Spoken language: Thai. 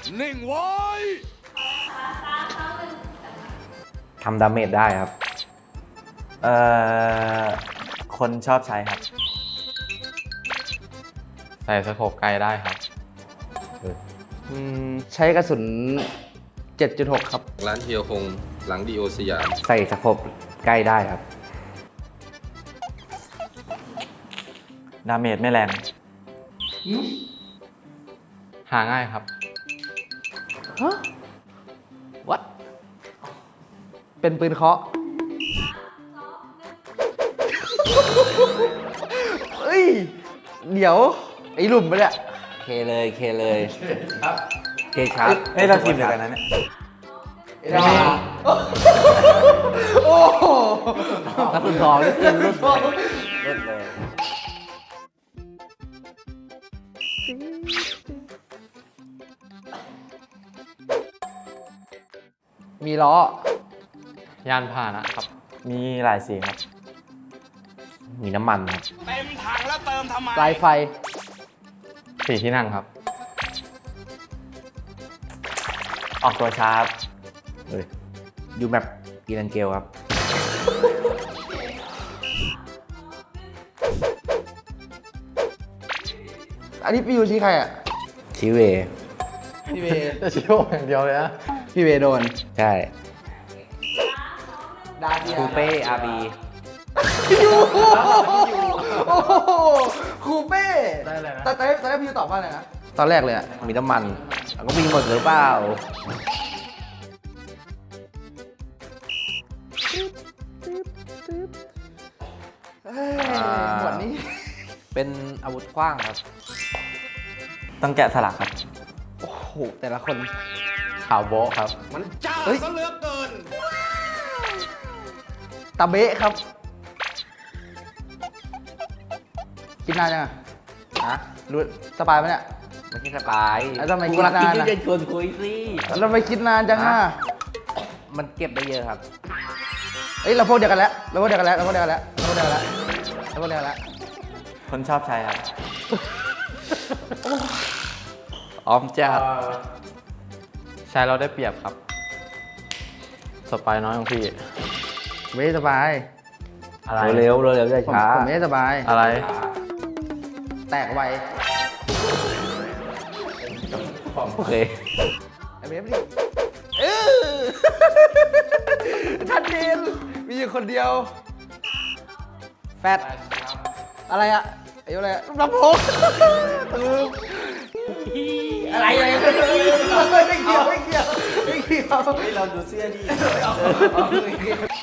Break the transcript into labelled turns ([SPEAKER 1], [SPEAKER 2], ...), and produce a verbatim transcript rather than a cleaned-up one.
[SPEAKER 1] นิ่งไว้
[SPEAKER 2] ทำดาเมจได้ครับ
[SPEAKER 3] เอ่อคนชอบใช้ครับ
[SPEAKER 4] ใส่สโคปไกลได้ครับ
[SPEAKER 5] อืมใช้กระสุน เจ็ดจุดหก ครับ
[SPEAKER 6] ร้านเฮียคงหลังดีโอสยาม
[SPEAKER 2] ใส่สโคปใกล้ได้ครับ
[SPEAKER 3] ดาเมจไม่แรง
[SPEAKER 4] หาง่ายครับ
[SPEAKER 5] ฮะ what เป็นปืนเคาะเฮ้ย เดี๋ยว ไอ้หลุมไปะเนี่ย
[SPEAKER 2] เคเลยเคเลยเคครับ
[SPEAKER 3] เฮ้ยเราทีมเดียวกันนะเนี่ย
[SPEAKER 5] โอ้โห
[SPEAKER 2] กระสุนทองนี่ขึ้นรุ่นเลยรุ่นเลย
[SPEAKER 5] มีล้อ
[SPEAKER 4] ยานพาหนะครับ
[SPEAKER 3] มีหลายสีครับ
[SPEAKER 2] มีน้ำมันครับ
[SPEAKER 1] เต็มถังแล้วเติมทำไม
[SPEAKER 5] ปลายไฟ
[SPEAKER 4] สี่ที่นั่งครับ
[SPEAKER 3] ออกตัวช้าครับ
[SPEAKER 2] เฮ้ยยูแมปกีรันเกลครับ
[SPEAKER 5] อันนี้พี่ยูชี้ใครอ่ะ
[SPEAKER 2] ชิเว
[SPEAKER 5] พี่เว
[SPEAKER 4] ชิโร่อย่างเดียวเลยนะ
[SPEAKER 5] พี่เวโดน
[SPEAKER 2] ใช่
[SPEAKER 5] ดาเซีย
[SPEAKER 2] คูเป้อาร์บี
[SPEAKER 5] พี่ยูโอ้โหครูเป้
[SPEAKER 4] ได้เลยนะ
[SPEAKER 5] ตอนแรกตอนแรกพี่ยูตอบว่าอะไรนะ ตอนแรกเลยอ่ะ
[SPEAKER 2] มีน้ำมันแล้วก็มีหมดหรือเปล่า
[SPEAKER 5] เฮ้ยหมวดนี้
[SPEAKER 2] เป็นอาวุธกว้างครับ
[SPEAKER 3] ต้องแกะสลักครับ
[SPEAKER 5] โอ้โห แต่ละคน
[SPEAKER 4] ข่าวโบ๊ะครับ
[SPEAKER 1] มันจ้า
[SPEAKER 5] เฮ้ย
[SPEAKER 1] ซะเหลือเกิน
[SPEAKER 5] ตาเบะครับ กินนานยังอ่ะ
[SPEAKER 2] ฮะ
[SPEAKER 5] รู้สบายไหมเนี่ย
[SPEAKER 2] ไม่ใช่สปาย
[SPEAKER 5] แล้วทำไม
[SPEAKER 2] กู
[SPEAKER 5] คิด
[SPEAKER 2] รัก
[SPEAKER 5] นาน
[SPEAKER 2] กิน
[SPEAKER 5] อะ
[SPEAKER 2] ที่จะชวนคุยสิ
[SPEAKER 5] แล้วไปคิดนานจังอ่ะ
[SPEAKER 2] มันเก็บได้เยอะครับ
[SPEAKER 5] เอ้ย เราพวกเดียวกันแล้ว เราพวกเดียวกันแล้ว เราพวกเดียวกันแล้ว เราพวกเดียวกันแล้ว เราพวกเดียวกันแล้ว
[SPEAKER 3] คนชอบใช้ครับ
[SPEAKER 2] ออมจัด
[SPEAKER 4] ใช้เราได้เปรียบครับ สปายน้อยของพี่
[SPEAKER 5] ไม่สบาย
[SPEAKER 4] อะไร
[SPEAKER 2] เร็วๆเร็วๆอย่า
[SPEAKER 5] ผม
[SPEAKER 2] ช้า
[SPEAKER 5] ผมไม่สบาย
[SPEAKER 4] อะไร
[SPEAKER 5] แตกไว
[SPEAKER 2] โอเค
[SPEAKER 5] ไอ้เบฟดิเออทันเดนมีอยู่คนเดียว แฟดอะไรอะอายุอะไรอะลำโพงตืมอะไรอะไรไม่เกี่ยวไม่เกี่ยวไม่เกี่ยว
[SPEAKER 3] เราดูเสื้อดิ